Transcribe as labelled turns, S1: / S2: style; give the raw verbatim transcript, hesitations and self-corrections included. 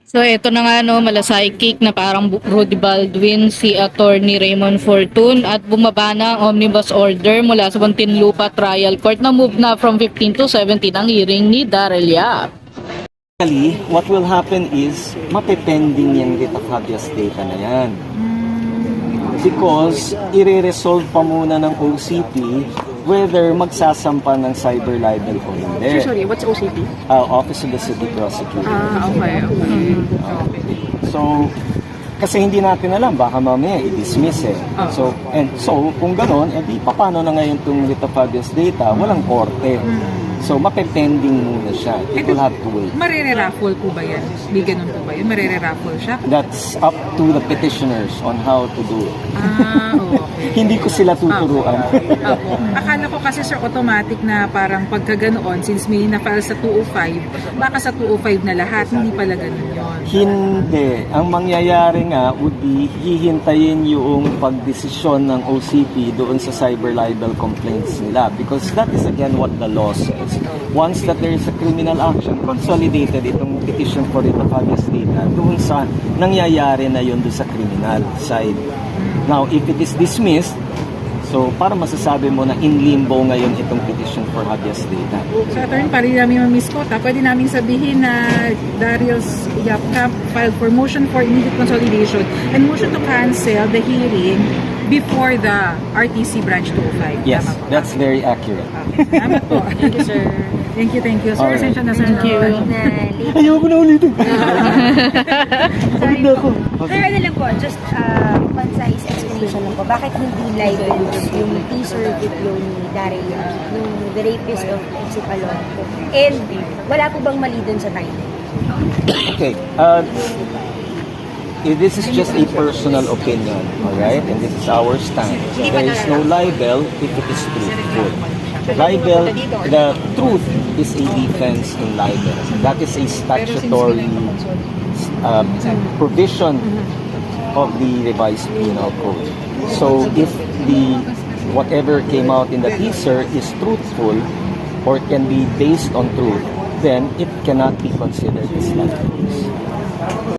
S1: So ito na nga no, malasaycik na parang Rudy Baldwin si Attorney Raymond Fortun at bumaba na ang omnibus order mula sa Muntinlupa Trial Court na move na from fifteen to seventeen ang hearing ni Daryl Yap.
S2: Actually, what will happen is mapepending yung writ of habeas data na yan. Because i-resolve pa muna ng O C P whether magsasampa ng cyber libel o hindi.
S3: Sir, sorry, what's O C P?
S2: Uh, Office of the City Prosecutor.
S3: Ah, okay, okay.
S2: So, kasi hindi natin alam, baka mamaya i-dismiss eh.
S3: Ah.
S2: So, and so, kung gano'n, edi paano na ngayon itong writ of habeas data? Walang korte. So, mapepending muna siya. It will have to wait.
S3: Marere-raffle po ba yan? Di ganun po ba yun? Marere-raffle siya?
S2: That's up to the petitioners on how to do it.
S3: Ah, okay.
S2: Hindi ko sila tuturuan.
S3: Opo. Akala ko kasi sir, automatic na parang pagka ganoon, since may na-file sa two oh five, baka sa two oh five na lahat, hindi pala ganun yun.
S2: Hindi. Ang mangyayari nga would be hihintayin yung pagdesisyon ng O C P doon sa cyber libel complaints nila because that is again what the law says. Once that there is a criminal action, consolidated itong petition for writ of habeas data doon sa nangyayari na yun doon sa criminal side. Now, if it is dismissed, so para masasabi mo na in limbo ngayon itong petition for habeas data.
S3: So, attorney, para namin ma-misquote, pwede namin sabihin na Darius Yapcap filed for motion for immediate consolidation and motion to cancel the hearing before the R T C branch two oh five.
S2: Yes,
S3: Tama po.
S2: that's very accurate.
S3: Okay. Salamat po.
S4: Thank you, sir.
S3: Thank you, thank you. Sir,
S2: Alright.
S3: esensya na sir.
S1: Thank you.
S4: Na late.
S2: Ayoko na ulitin.
S4: Sorry
S2: na
S4: po.
S2: ako.
S4: Sir, ano lang po, just uh, concise explanation lang po. Bakit hindi libels yung teaser video ni Daryl, yung The Rapist of Epsipalon po? And wala po bang mali dun sa title?
S2: Okay. Uh, eh, this is just a personal opinion, all right? And this is our stand. There is no libel if it is truthful. Libel, the truth is a defense in libel. That is a statutory uh, provision of the revised penal code. So if the whatever came out in the teaser is truthful or can be based on truth, then it cannot be considered as libel.